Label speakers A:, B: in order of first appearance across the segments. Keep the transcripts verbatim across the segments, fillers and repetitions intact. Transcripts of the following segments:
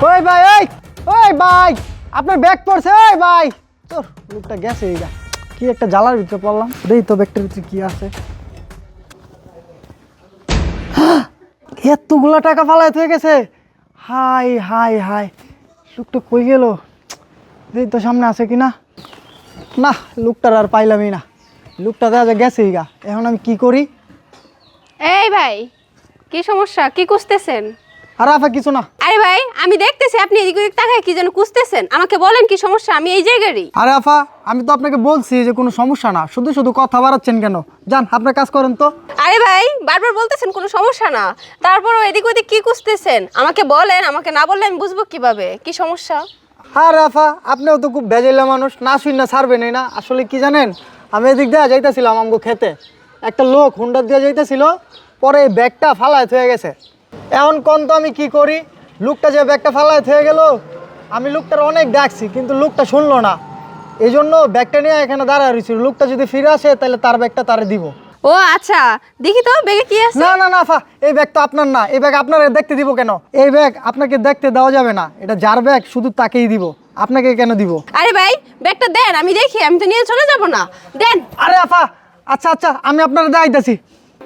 A: ওই ভাই ওই ওই ভাই আপনার ব্যাগ পড়ছে ওই ভাই তোর লোকটা গেছে এইটা কি একটা জ্বালার ভিতরে পড়লাম দেই তো ব্যাগটার ভিতরে কি আছে এতগুলা টাকা ফালাই হয়ে গেছে হাই হাই হাই লোকটা কই গেল দেই তো সামনে আছে কিনা না লোকটার আর পাইলামই না লোকটা দেখা গেছে গা এখন আমি কি করি
B: এই ভাই কি সমস্যা কি কুছতেছেন
A: আর আফা কিছু না
B: আরে ভাই আমি দেখতেছি আপনি এদিক ওদিক তাকায় কি যেন কুছতেছেন আমাকে বলেন কি সমস্যা আমি এই জায়গারই
A: আরে আফা আমি তো আপনাকে বলছি যে কোনো সমস্যা না শুধু শুধু কথা বাড়াচ্ছেন কেন যান আপনার কাজ করেন তো
B: আরে ভাই বারবার বলতেছেন কোনো সমস্যা না তারপরও এদিক ওদিক কি কুছতেছেন আমাকে বলেন আমাকে না বললে আমি বুঝবো কিভাবে কি সমস্যা
A: আরে আফা আপনিও তো খুব ভেজাইলা মানুষ না শুই না ছাড়বেনই না আসলে কি জানেন আমি এদিক দিয়ে যাইতেছিলাম আমগো খেতে একটা লোক হুন্ডা দিয়ে যাইতেছিল পরে এই ব্যাগটা ফালায় হয়ে গেছে এখন কোন তো আমি কি করি লোকটা যে ব্যাগটা ফালায় হয়ে গেল আমি লোকটার অনেক ডাকছি কিন্তু লোকটা শুনলো না এই জন্য ব্যাগটা নিয়ে এখানে দাঁড়ায় রয়েছি লোকটা যদি ফিরে আসে তাহলে তার ব্যাগটা তারে দিব
B: ও আচ্ছা দেখি তো ব্যাগে কি আছে
A: না না না আফা এই ব্যাগ তো আপনার না এই ব্যাগ আপনারা দেখতে দিব কেন এই ব্যাগ আপনাকে দেখতে দেওয়া যাবে না এটা যার ব্যাগ শুধু তাকেই দিব আপনাকে কেন দিব
B: আরে ভাই ব্যাগটা দেন আমি দেখি আমি তো নিয়ে চলে যাব না দেন
A: আরে আফা আচ্ছা আচ্ছা আমি আপনারা দেখাইতেছি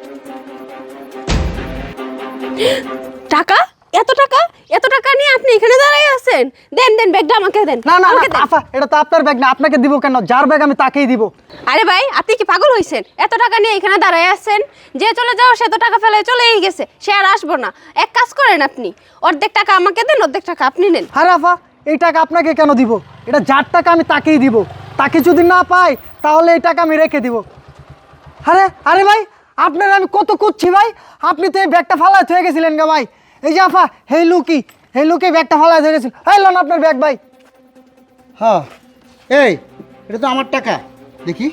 B: টাকা এত টাকা এত টাকা নিয়ে আপনি এখানে দাঁড়ায় আছেন দেন দেন ব্যাগটা আমাকে দেন
A: না না
B: আমাকে
A: না
B: দেন।
A: আফা এটা তো আপনার ব্যাগ না আপনাকে দিব কেন যার ব্যাগ আমি তাকেই দিব
B: আরে ভাই আপনি কি পাগল হইছেন এত টাকা নিয়ে এখানে দাঁড়ায় আছেন যে চলে যাও সে তো টাকা ফেলে চলেই গেছে সে আর আসবো না এক কাজ করেন আপনি অর্ধেক টাকা আমাকে দেন অর্ধেক টাকা আপনি নেন
A: আরে আফা এই টাকা আপনাকে কেন দিব এটা যার টাকা আমি তাকেই দিব তাকে যদি না পাই তাহলে এই টাকা আমি রেখে দিব আরে আরে ভাই আপনার আমি কত করছি ভাই আপনি তো এই ব্যাগটা ফালায় হয়ে গেছিলেন গা ভাই এই যে আফা হেই লুকি হেই লুকি ব্যাগটা ফালায় হয়ে গেছিল এই লোন আপনার ব্যাগ ভাই
C: হ্যাঁ এই এটা তো আমার টাকা দেখি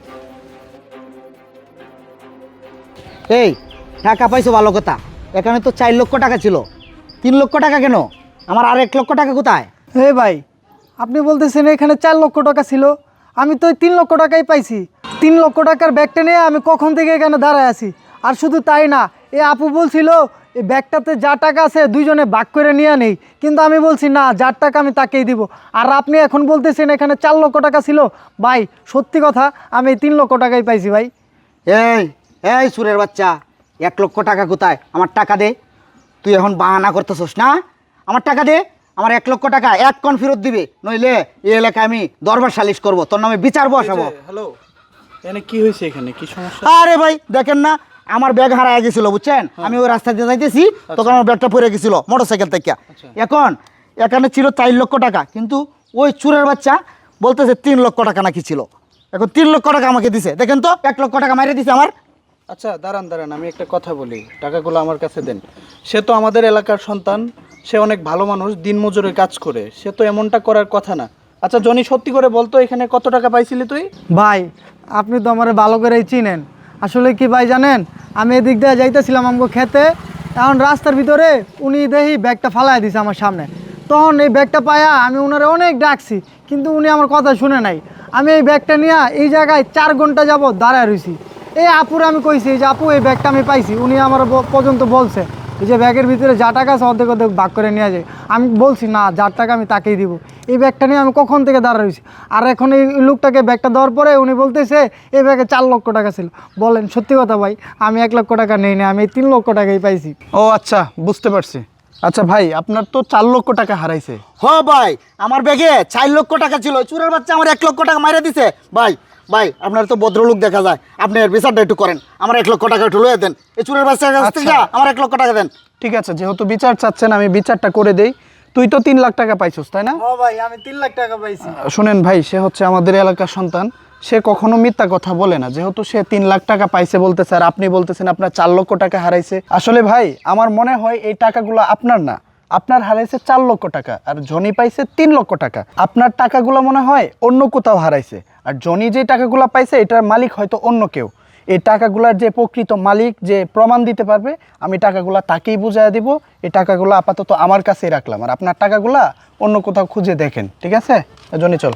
C: এই টাকা পাইছো ভালো কথা এখানে তো চার লক্ষ টাকা ছিল তিন লক্ষ টাকা কেন আমার আর এক লক্ষ টাকা কোথায়
A: হে ভাই আপনি বলতেছেন এখানে চার লক্ষ টাকা ছিল আমি তো ওই তিন লক্ষ টাকাই পাইছি তিন লক্ষ টাকার ব্যাগটা নিয়ে আমি কখন থেকে এখানে দাঁড়ায় আছি আর শুধু তাই না এই আপু বলছিল এই ব্যাগটাতে যা টাকা আছে দুইজনে ভাগ করে নিয়ে নেই কিন্তু আমি বলছি না যার টাকা আমি তাকেই দিব আর আপনি এখন বলতেছেন এখানে চার লক্ষ টাকা ছিল ভাই সত্যি কথা আমি এই তিন লক্ষ টাকাই পাইছি ভাই
C: এই এই সুরের বাচ্চা এক লক্ষ টাকা কোথায় আমার টাকা দে তুই এখন বাহানা করতেছস না আমার টাকা দে আমার এক লক্ষ টাকা এক কন ফেরত দিবে নইলে এই এলাকায় আমি দরবার সালিশ করব তোর নামে বিচার বসাবো
D: হ্যালো এখানে কি হয়েছে এখানে কি সমস্যা
C: আরে ভাই দেখেন না আমার ব্যাগ হারায় গেছিল বুঝছেন আমি ওই রাস্তা দিয়ে যাইতেছি তখন আমার ব্যাগটা পড়ে গেছিল মোটরসাইকেল থেকে এখন এখানে ছিল চার লক্ষ টাকা কিন্তু ওই চুরের বাচ্চা বলতেছে তিন লক্ষ টাকা নাকি ছিল এখন তিন লক্ষ টাকা আমাকে দিছে দেখেন তো এক লক্ষ টাকা মাইরে দিছে আমার
D: আচ্ছা দাঁড়ান দাঁড়ান আমি একটা কথা বলি টাকাগুলো আমার কাছে দেন সে তো আমাদের এলাকার সন্তান সে অনেক ভালো মানুষ দিনমজুরের কাজ করে সে তো এমনটা করার কথা না আচ্ছা জনি সত্যি করে বলতো এখানে কত টাকা পাইছিলি তুই
A: ভাই আপনি তো আমার ভালো করেই চিনেন আসলে কি ভাই জানেন আমি এদিক দিয়ে যাইতেছিলাম আমাকে খেতে এখন রাস্তার ভিতরে উনি দেখি ব্যাগটা ফালাই দিছে আমার সামনে তখন এই ব্যাগটা পায়া আমি ওনারে অনেক ডাকছি কিন্তু উনি আমার কথা শুনে নাই আমি এই ব্যাগটা নিয়ে এই জায়গায় চার ঘন্টা যাব দাঁড়ায় রয়েছি এই আপুরে আমি কইছি যে আপু এই ব্যাগটা আমি পাইছি উনি আমার ব- পর্যন্ত বলছে এই যে ব্যাগের ভিতরে যা টাকা আছে অর্ধেক অর্ধেক ভাগ করে নিয়ে যায় আমি বলছি না যার টাকা আমি তাকেই দিব এই ব্যাগটা নিয়ে আমি কখন থেকে দাঁড়া রয়েছি আর এখন এই লোকটাকে ব্যাগটা দেওয়ার পরে উনি বলতেছে এই ব্যাগে চার লক্ষ টাকা ছিল বলেন সত্যি কথা ভাই আমি এক লক্ষ টাকা নেই না আমি এই তিন লক্ষ টাকাই পাইছি
D: ও আচ্ছা বুঝতে পারছি আচ্ছা ভাই আপনার তো চার লক্ষ টাকা হারাইছে
C: হ ভাই আমার ব্যাগে চার লক্ষ টাকা ছিল ওই চুরের বাচ্চা আমার এক লক্ষ টাকা মাইরে দিছে ভাই ভাই আপনার তো ভদ্রলোক দেখা যায় আপনি এর বিচারটা একটু করেন আমার এক লক্ষ টাকা একটু লয়ে দেন এই চুরের বাচ্চার কাছ থেকে আমার এক লক্ষ টাকা দেন
D: ঠিক আছে যেহেতু বিচার চাচ্ছেন আমি বিচারটা করে দেই তুই তো তিন লাখ টাকা পাইছিস তাই না
A: ও ভাই আমি তিন লাখ টাকা পাইছি
D: শুনেন ভাই সে হচ্ছে আমাদের এলাকার সন্তান সে কখনো মিথ্যা কথা বলে না যেহেতু সে তিন লাখ টাকা পাইছে বলতেছে আর আপনি বলতেছেন আপনার চার লক্ষ টাকা হারাইছে আসলে ভাই আমার মনে হয় এই টাকাগুলো আপনার না আপনার হারাইছে চার লক্ষ টাকা আর জনি পাইছে তিন লক্ষ টাকা আপনার টাকাগুলো মনে হয় অন্য কোথাও হারাইছে আর জনি যে টাকাগুলো পাইছে এটার মালিক হয়তো অন্য কেউ এই টাকাগুলোর যে প্রকৃত মালিক যে প্রমাণ দিতে পারবে আমি টাকাগুলো তাকেই বুঝাইয়া দিব এই টাকাগুলো আপাতত আমার কাছেই রাখলাম আর আপনার টাকাগুলো অন্য কোথাও খুঁজে দেখেন ঠিক আছে জনি চল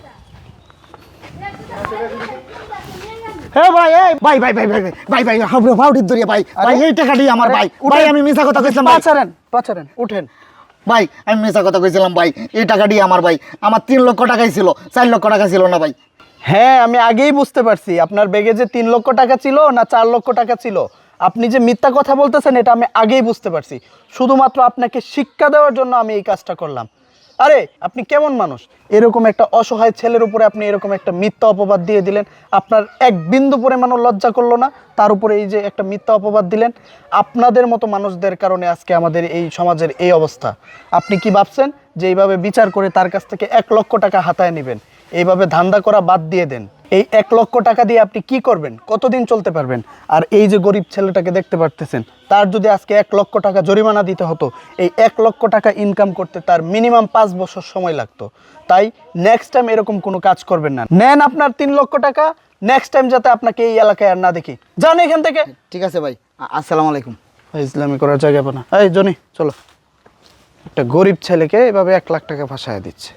C: হ্যাঁ ভাই এই ভাই ভাই ভাই ভাই ভাই ভাই হাবড়ে ভাউডির দরিয়া ভাই ভাই এই টাকাটি আমার ভাই ভাই আমি মিছা কথা কইছিলাম ভাই
D: পাচারেন পাচারেন উঠেন
C: ভাই আমি মিছা কথা কইছিলাম ভাই, এই টাকাটি আমার ভাই, আমার তিন লক্ষ টাকাই ছিল, চার লক্ষ টাকা ছিল না ভাই।
D: হ্যাঁ আমি আগেই বুঝতে পারছি আপনার ব্যাগে যে তিন লক্ষ টাকা ছিল না চার লক্ষ টাকা ছিল। আপনি যে মিথ্যা কথা বলতেছেন এটা আমি আগেই বুঝতে পারছি। শুধুমাত্র আপনাকে শিক্ষা দেওয়ার জন্য আমি এই কাজটা করলাম। আরে আপনি কেমন মানুষ, এরকম একটা অসহায় ছেলের উপরে আপনি এরকম একটা মিথ্যা অপবাদ দিয়ে দিলেন। আপনার এক বিন্দু পরিমাণও লজ্জা করলো না, তার উপরে এই যে একটা মিথ্যা অপবাদ দিলেন। আপনাদের মতো মানুষদের কারণে আজকে আমাদের এই সমাজের এই অবস্থা। আপনি কি ভাবছেন যে এইভাবে বিচার করে তার কাছ থেকে এক লক্ষ টাকা হাতায় নেবেন? এইভাবে ধান্দা করা বাদ দিয়ে দেন। এই এক লক্ষ টাকা দিয়ে আপনি কি করবেন, কতদিন চলতে পারবেন? আর এই যে গরিব ছেলেটাকে দেখতে পারতেছেন, তার যদি আজকে এক লক্ষ টাকা জরিমানা দিতে হতো, এই এক লক্ষ টাকা ইনকাম করতে তার মিনিমাম পাঁচ বছর সময় লাগতো। তাই নেক্সট টাইম এরকম কোনো কাজ করবেন না। নেন আপনার তিন লক্ষ টাকা, নেক্সট টাইম যাতে আপনাকে এই এলাকায় আর না দেখি। যান এখান থেকে।
C: ঠিক আছে ভাই, আ- আসসালামু আলাইকুম।
D: ইসলামি করার জায়গা পানা। এই জনি চলো, একটা গরিব ছেলেকে এভাবে এক লাখ টাকা ফাঁসায় দিচ্ছে।